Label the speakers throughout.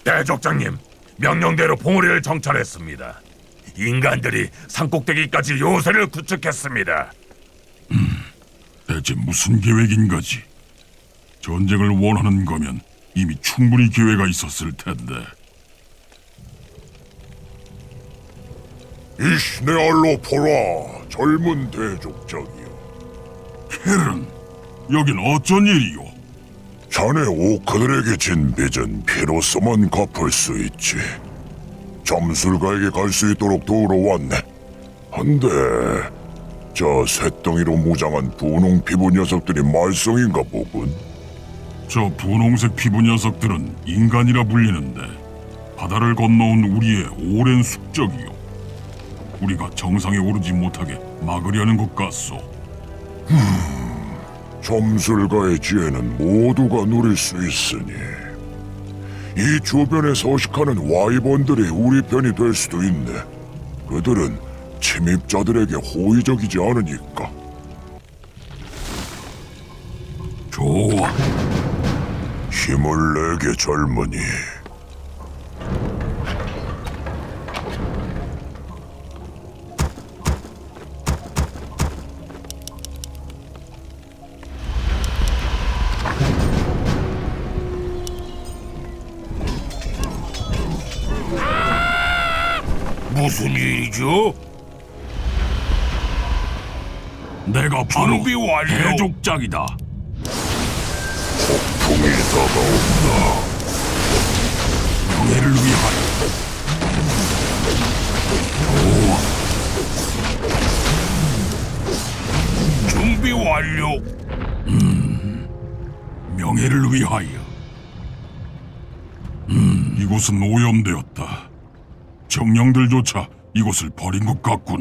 Speaker 1: 대족장님, 명령대로 봉우리를 정찰했습니다. 인간들이 산꼭대기까지 요새를 구축했습니다.
Speaker 2: 대체 무슨 계획인 거지? 전쟁을 원하는 거면 이미 충분히 기회가 있었을 텐데.
Speaker 3: 이시네알로 포라, 젊은 대족장이여.
Speaker 2: 켈은, 여긴 어쩐 일이오?
Speaker 3: 자네 오크들에게 진 빚은 피로서만 갚을 수 있지. 점술가에게 갈 수 있도록 도우러 왔네. 한데 저 쇳덩이로 무장한 분홍 피부 녀석들이 말썽인가 보군.
Speaker 2: 저 분홍색 피부 녀석들은 인간이라 불리는데 바다를 건너온 우리의 오랜 숙적이요. 우리가 정상에 오르지 못하게 막으려는 것 같소.
Speaker 3: 점술가의 지혜는 모두가 누릴 수 있으니 이 주변에 서식하는 와이번들이 우리 편이 될 수도 있네. 그들은 침입자들에게 호의적이지 않으니까.
Speaker 2: 좋아.
Speaker 3: 힘을 내게, 젊은이.
Speaker 1: 무슨 일이죠?
Speaker 2: 내가 바로
Speaker 1: 준비 완료.
Speaker 2: 대족장이다.
Speaker 3: 폭풍이 다가온다.
Speaker 2: 명예를 위하여. 좋아.
Speaker 1: 준비 완료.
Speaker 2: 명예를 위하여. 이곳은 오염되었다. 정령들조차 이곳을 버린 것 같군.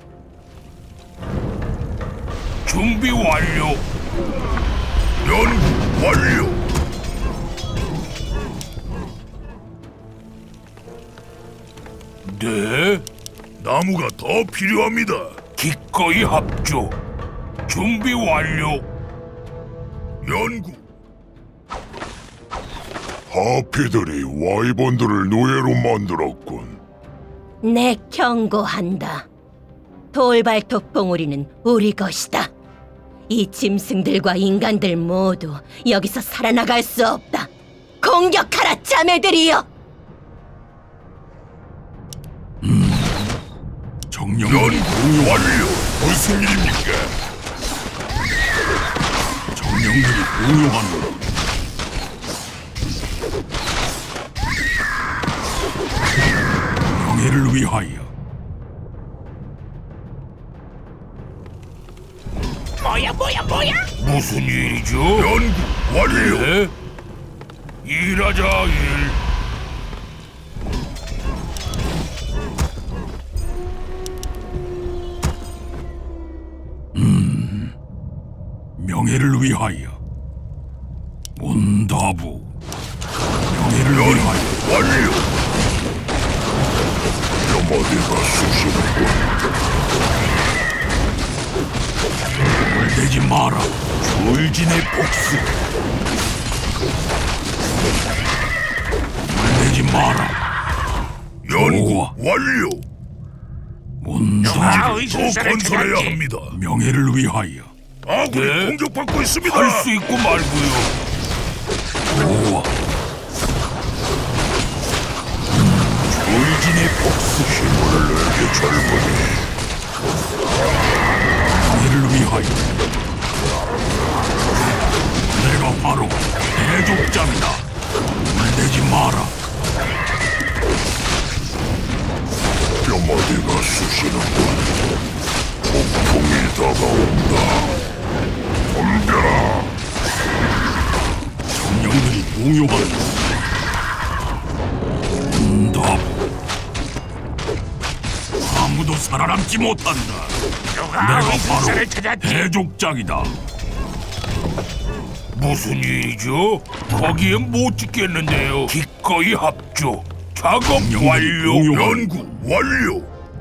Speaker 1: 준비 완료. 연구 완료. 네? 나무가 더 필요합니다. 기꺼이 합조. 준비 완료. 연구.
Speaker 3: 하피들이 와이번들을 노예로 만들었군.
Speaker 4: 내 경고한다. 돌발톱 봉우리는 우리 것이다. 이 짐승들과 인간들 모두 여기서 살아나갈 수 없다. 공격하라, 자매들이여!
Speaker 2: 정령들이
Speaker 1: 연구 완료. 무슨 일입니까?
Speaker 2: 정령들이 공용하는 명예를 위하여.
Speaker 1: 무슨 일이죠? 연구 완료. 네? 일하자 일.
Speaker 2: 명예를 위하여. 온다부. 명예를 위하여.
Speaker 3: 완료. 뼈머리가 쑤시는군.
Speaker 2: 물대지 마라.
Speaker 1: 울진의 복수.
Speaker 2: 물대지 마라.
Speaker 1: 연구
Speaker 2: 좋아.
Speaker 1: 완료.
Speaker 2: 온다부.
Speaker 1: 더 건설해야 합니다.
Speaker 2: 명예를 위하여.
Speaker 1: 아군이 공격받고 있습니다. 할 수 있고 말고요.
Speaker 2: 좋아.
Speaker 1: 울진의 복수.
Speaker 3: 힘을 내게, 젊은이.
Speaker 2: 명예를 위하여. 내가 바로 대족장이다. 물대지 마라.
Speaker 3: 뼈머리가 쑤시는군. 폭풍이 다가온다. 덤벼라.
Speaker 2: 정령들이 공용하는 응답. 아무도 살아남지 못한다. 내가 바로 대족장이다.
Speaker 1: 무슨 일이죠? 거기엔 못 찍겠는데요. 기꺼이 합조. 작업 완료.
Speaker 2: 공용하는
Speaker 1: 연구 완료.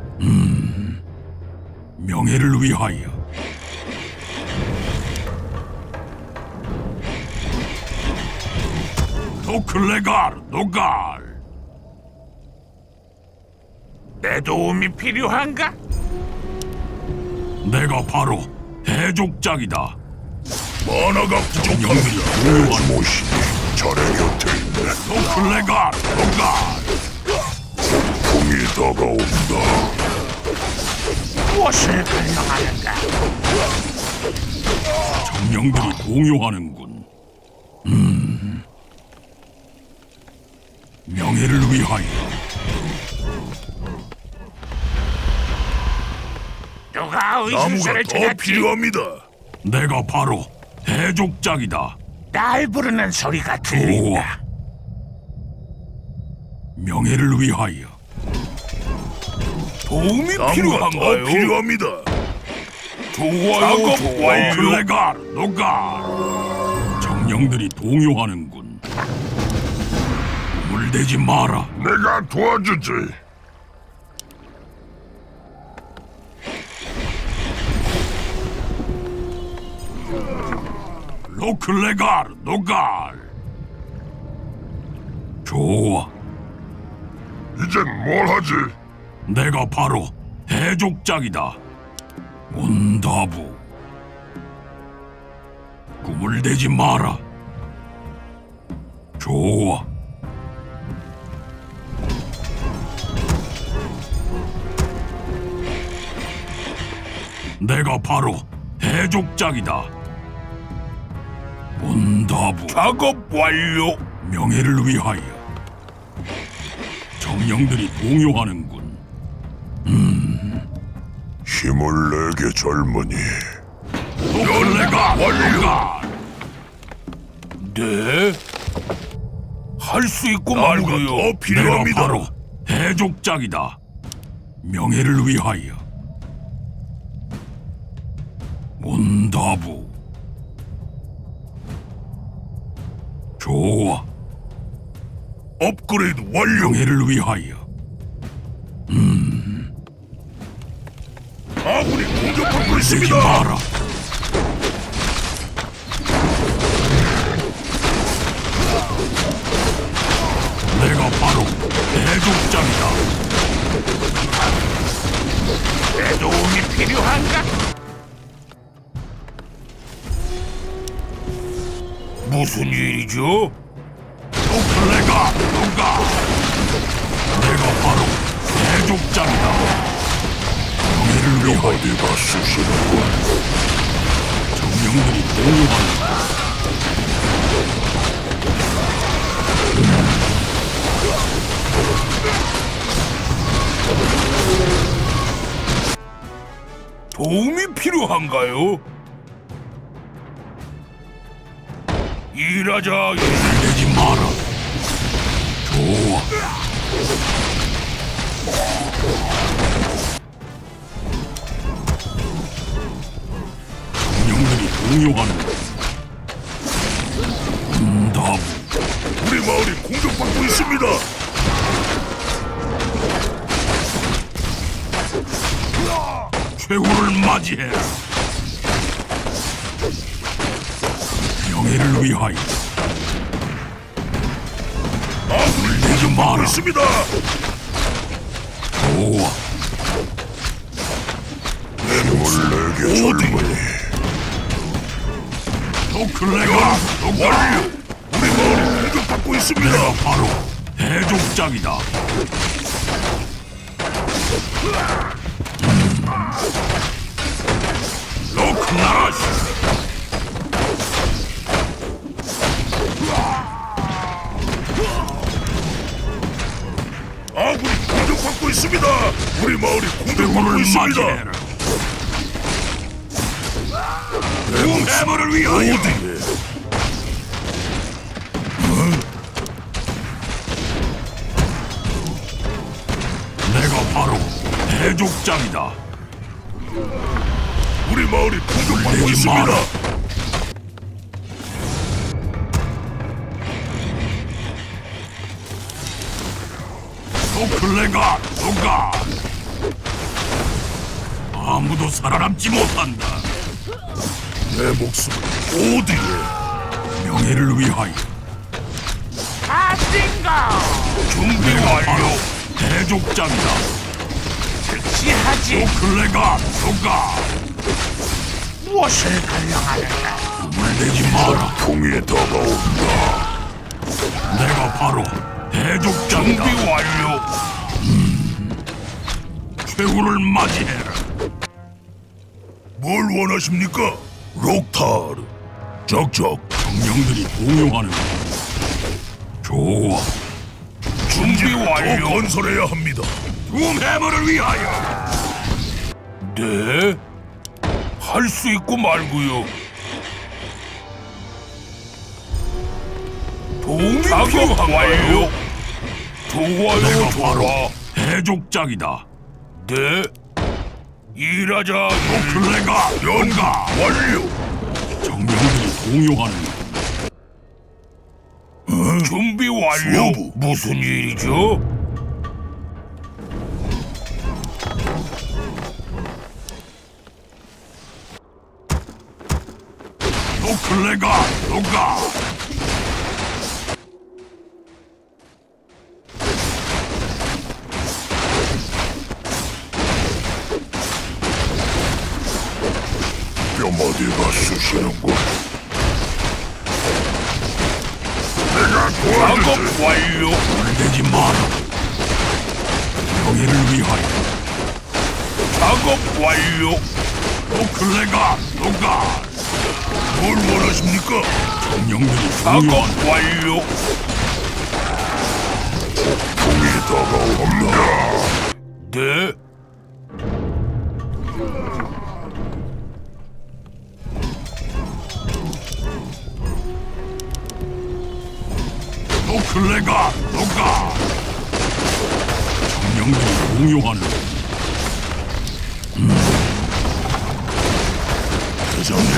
Speaker 2: 명예를 위하여. 노클레갈, 노갈.
Speaker 1: 내 도움이 필요한가?
Speaker 2: 내가 바로 해족장이다.
Speaker 1: 만화가 부족합니다.
Speaker 3: 내 모신이 자네 곁에 있네.
Speaker 2: 노클레가 노가
Speaker 3: 풍이 다가온다.
Speaker 1: 무엇을 갈망하는가?
Speaker 2: 정령들이 공유하는군. 명예를 위하여.
Speaker 1: 누가
Speaker 3: 나무가
Speaker 1: 의심서를
Speaker 3: 더
Speaker 1: 찾았지?
Speaker 3: 필요합니다.
Speaker 2: 내가 바로 해족장이다.
Speaker 1: 날 부르는 소리가
Speaker 2: 좋아.
Speaker 1: 들린다.
Speaker 2: 명예를 위하여.
Speaker 1: 도움이
Speaker 3: 나무가 더 필요합니다.
Speaker 1: 좋아요, 좋아요.
Speaker 2: 노클레가 노가 정령들이 동요하는군. 물대지 마라.
Speaker 3: 내가 도와주지.
Speaker 2: 로클레갈 노갈. 좋아.
Speaker 3: 이젠 뭘 하지?
Speaker 2: 내가 바로 해족장이다. 온다부. 꿈을 대지 마라. 좋아. 내가 바로 해족장이다. 온다부.
Speaker 1: 작업 완료.
Speaker 2: 명예를 위하여. 정령들이 동요하는군.
Speaker 3: 힘을 내게 젊은이.
Speaker 2: 노클레가 노갈.
Speaker 1: 네? 할 수 있고
Speaker 3: 나무가
Speaker 1: 말고요.
Speaker 3: 더
Speaker 2: 내가
Speaker 3: 필요합니다.
Speaker 2: 바로 해족장이다. 명예를 위하여. 온다부. 좋아.
Speaker 3: 업그레이드 완료.
Speaker 2: 명예를 위하여.
Speaker 3: 아군이 공격받고
Speaker 2: 되지
Speaker 3: 있습니다.
Speaker 2: 마라. 내가 바로 해족장이다.
Speaker 1: 내 도움이 필요한가? 무슨 일이죠?
Speaker 2: 노클레가 노가. 내가 바로 해족장이다. 명예를 위하여.
Speaker 3: 어디가 쑤시는군.
Speaker 2: 정령들이 공유한다.
Speaker 1: 도움이 필요한가요? 일하자.
Speaker 2: 내지 마라. 좋아. 정령들이 공유한다. 응답.
Speaker 3: 우리 마을이 공격받고 있습니다.
Speaker 2: 최후를 맞이해라. 명예를 위하여.
Speaker 3: 아군이
Speaker 2: 내지
Speaker 3: 공격받고
Speaker 2: 마라.
Speaker 3: 있습니다.
Speaker 2: 좋아.
Speaker 3: 힘을 내게 젊은이.
Speaker 2: 노클레가 노가.
Speaker 3: 완료. 우리 마을이 공격받고 있습니다.
Speaker 2: 내가 바로 해족장이다. 노클라라시.
Speaker 3: 아군이 공격받고 있습니다. 우리 마을이 공격받고
Speaker 2: 최후를
Speaker 3: 있습니다.
Speaker 2: 맞이해라.
Speaker 3: 해물을 위하여. 어디에?
Speaker 2: 내가 바로 해족장이다.
Speaker 3: 우리 마을이 공격받고
Speaker 2: 내지
Speaker 3: 있습니다.
Speaker 2: 마라. 노클레가 노가. 아무도 살아남지 못한다.
Speaker 3: 내 목숨 어디에?
Speaker 2: 명예를 위하여.
Speaker 1: 아진가.
Speaker 2: 준비 완료. 해족장이다.
Speaker 1: 즉시 하지.
Speaker 2: 클레가 누가
Speaker 1: 무엇을 갈망하는가?
Speaker 2: 물대지 마라.
Speaker 3: 풍이 다가온다.
Speaker 2: 내가 바로 대족장이다.
Speaker 1: 준비 완료.
Speaker 2: 최후를 맞이해라.
Speaker 1: 뭘 원하십니까? 록타르. 적적.
Speaker 2: 정령들이 공용하는 것. 좋아.
Speaker 1: 준비 완료. 건설해야 합니다.
Speaker 2: 둠해머를 위하여.
Speaker 1: 네? 할 수 있고 말고요. 도움이 필요한가요? 좋아요,
Speaker 2: 내가
Speaker 1: 좋아.
Speaker 2: 바로 대족장이다.
Speaker 1: 네? 일하자.
Speaker 2: 클레가 연가.
Speaker 1: 완료.
Speaker 2: 정령들이 공용하는 것.
Speaker 1: 준비 완료.
Speaker 3: 수호부.
Speaker 1: 무슨 일이죠?
Speaker 2: 클레가 누가
Speaker 3: 뼈마디가 쑤시는군.
Speaker 1: 작업 완료.
Speaker 2: 물대지 마라. 명예를 위하여.
Speaker 1: 작업 완료.
Speaker 2: 클레가 누가
Speaker 1: 뭘 원하십니까?
Speaker 2: 정령들이
Speaker 1: 작업
Speaker 2: 공용하는
Speaker 1: 완료.
Speaker 3: 풍이 다가온다.
Speaker 1: 네?
Speaker 2: 클레가 누가 정령들이 공용하는 것.
Speaker 3: 대장님,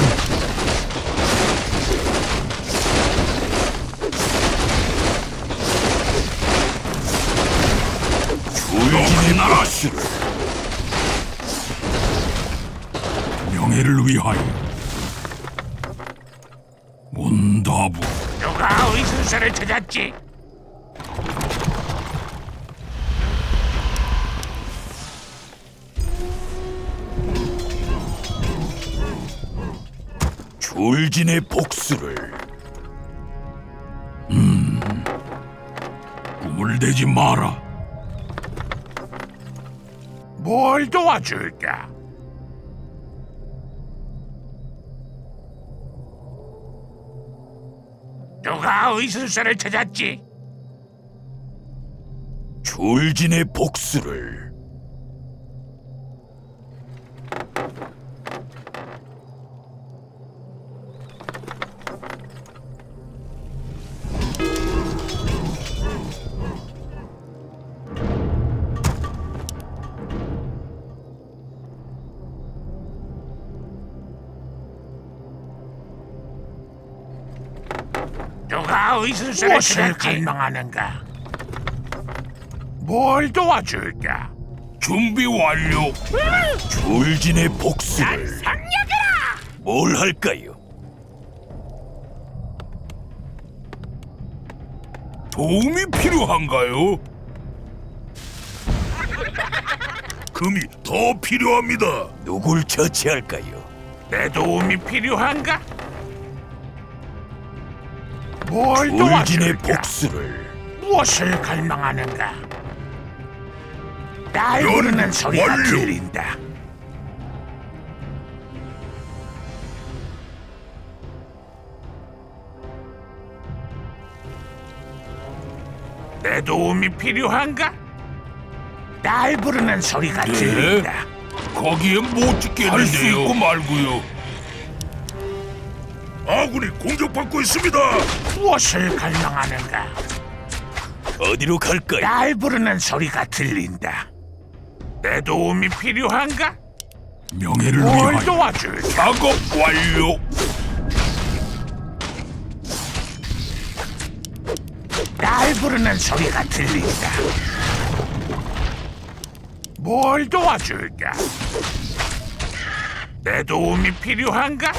Speaker 2: 조용히 나라시를 명예를 위하여. 문다부
Speaker 1: 누가 의순서를 찾았지?
Speaker 2: 졸진의 복수를. 꿈을 대지 마라.
Speaker 1: 뭘 도와줄까? 누가 의순서를 찾았지?
Speaker 2: 졸진의 복수를.
Speaker 1: 누가 의순서를 찾았지? 갈망하는가? 뭘 도와줄까? 준비 완료.
Speaker 2: 졸진의 복수를.
Speaker 1: 상력이라.
Speaker 2: 뭘 할까요?
Speaker 1: 도움이 필요한가요? 금이 더 필요합니다.
Speaker 2: 누굴 처치할까요?
Speaker 1: 내 도움이 필요한가? 뭘
Speaker 2: 졸진의
Speaker 1: 도와줄까?
Speaker 2: 복수를.
Speaker 1: 무엇을 갈망하는가? 날 부르는 소리가
Speaker 3: 완료.
Speaker 1: 들린다. 내 도움이 필요한가? 날 부르는 소리가 들린다. 거기에 못 찍겠는데요. 할 수 있고 말고요. 아군이 공격받고 있습니다. 무엇을 갈망하는가?
Speaker 2: 어디로 갈까요?
Speaker 1: 날 부르는 소리가 들린다. 내 도움이 필요한가?
Speaker 2: 명예를
Speaker 1: 뭘
Speaker 2: 위하여.
Speaker 1: 도와줄? 작업 완료. 날 부르는 소리가 들린다. 뭘 도와줄까? 내 도움이 필요한가?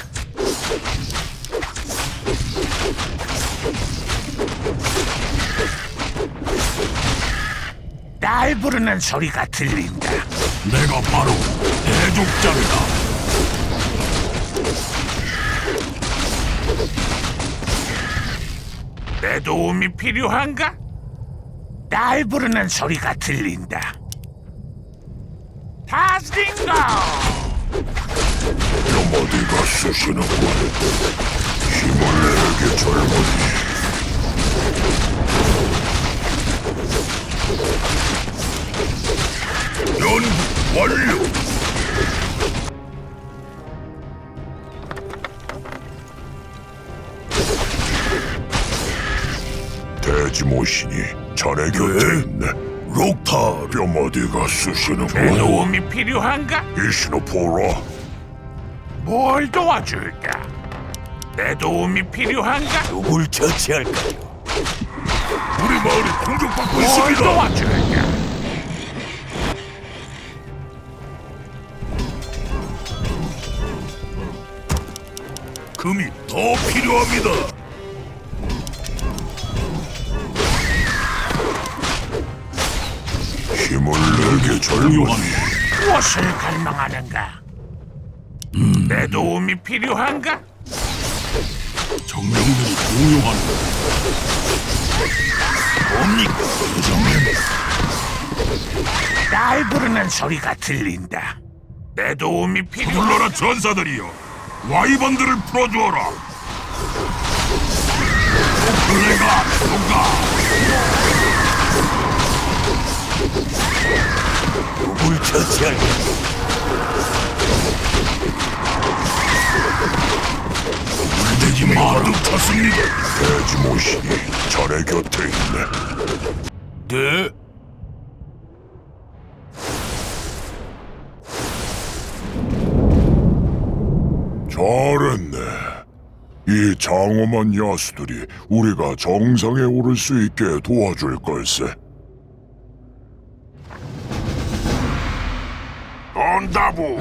Speaker 1: 날 부르는 소리가 들린다.
Speaker 2: 내가 바로 대족장이다.
Speaker 1: 내 도움이 필요한가? 날 부르는 소리가 들린다. 다스팅고!
Speaker 3: 뼈마디가 쑤시는군. 힘을 내게 젊은이. 연구 완료. 돼지모신이 자네 곁에 있네. 록타 뼈마디가
Speaker 1: 내
Speaker 3: 쑤시는군.
Speaker 1: 도움이 필요한가?
Speaker 3: 이시노포라.
Speaker 1: 뭘 도와줄까? 내 도움이 필요한가?
Speaker 3: 누굴 처치할까요? 우리 마을이 공격받고
Speaker 1: 뭘 도와줄까?
Speaker 3: 금이 더 필요합니다. 힘을 내게 젊은이.
Speaker 1: 무엇을 갈망하는가? 내 도움이 필요한가?
Speaker 2: 정령들이 공용하는
Speaker 3: 뭡니까, 대장님?
Speaker 1: 날 부르는 소리가 들린다. 내 도움이 필요한가?
Speaker 2: 불러라 전사들이여, 와이번들을 풀어주어라. 내가 누가
Speaker 3: 누굴 처치할까?
Speaker 2: 물대지 마라.
Speaker 3: 가득 찼습니다. 돼지모신이 자네 곁에 있네.
Speaker 2: 네?
Speaker 3: 잘했네. 이 장엄한 야수들이 우리가 정상에 오를 수 있게 도와줄 걸세. 온다부.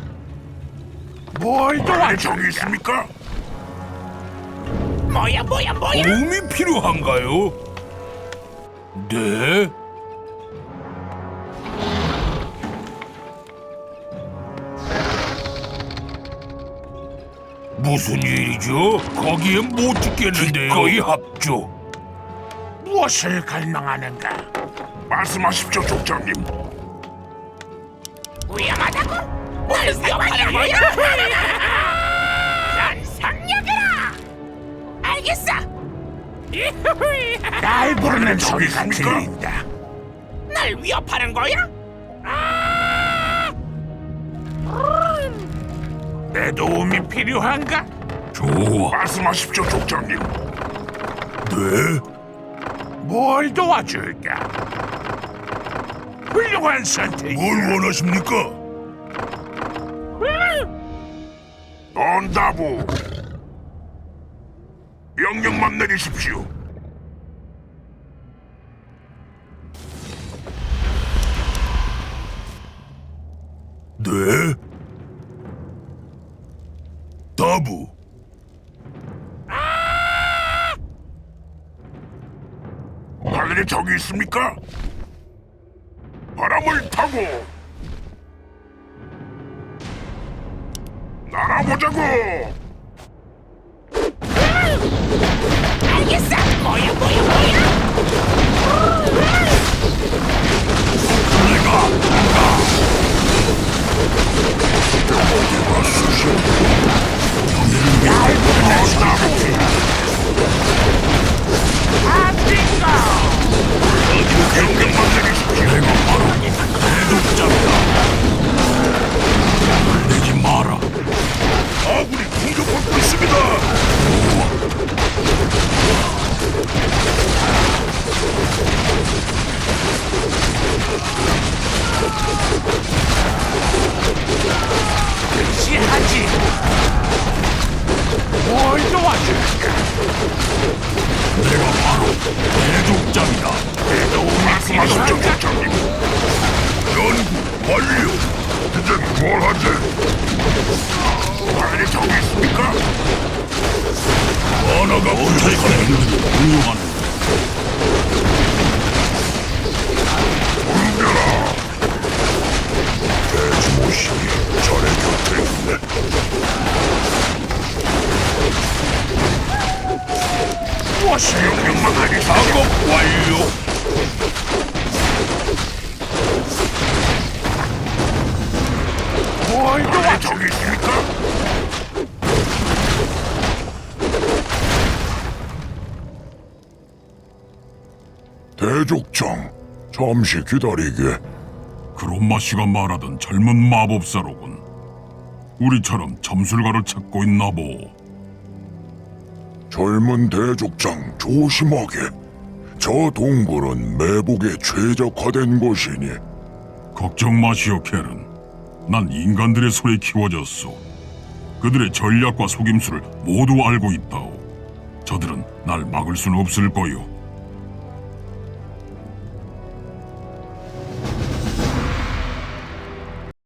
Speaker 1: 뭘 도와줄까?
Speaker 3: 저기 있습니까?
Speaker 1: 뭐야?
Speaker 2: 도움이 필요한가요? 네? 무슨 일이죠? 거기에 못 찍겠는데요. 기꺼이 합주.
Speaker 1: 무엇을 갈망하는가?
Speaker 3: 말씀하십시오, 족장님.
Speaker 1: 위험하다고? 뭘 위험하는 거야? 연상력이라! 알겠어! 날 부르는 소리가
Speaker 3: 있습니까?
Speaker 1: 들린다. 날 위협하는 거야? 내 도움이 필요한가?
Speaker 2: 좋아.
Speaker 3: 말씀하십시오, 족장님. 네?
Speaker 1: 뭘 도와줄까? 훌륭한 선택이야.
Speaker 3: 뭘 원하십니까? 온다부. 명령만 내리십시오. 네? 다부. 하늘에 적이 있습니까? 바람을 타고 날아보자고.
Speaker 1: 알겠어. 뭐야?
Speaker 3: 어디가 쑤셔? 명령만 내리십시오.
Speaker 2: 내가 바로 대족장이다. 물대지 마라.
Speaker 3: 아군이 공격받고 있습니다. 대족장, 잠시 기다리게.
Speaker 2: 그롬마 씨가 말하던 젊은 마법사로군. 우리처럼 점술가를 찾고 있나 보.
Speaker 3: 젊은 대족장, 조심하게. 저 동굴은 매복에 최적화된 곳이니
Speaker 2: 걱정 마시오, 켈은. 난 인간들의 손에 키워졌소. 그들의 전략과 속임수를 모두 알고 있다오. 저들은 날 막을 수는 없을 거요.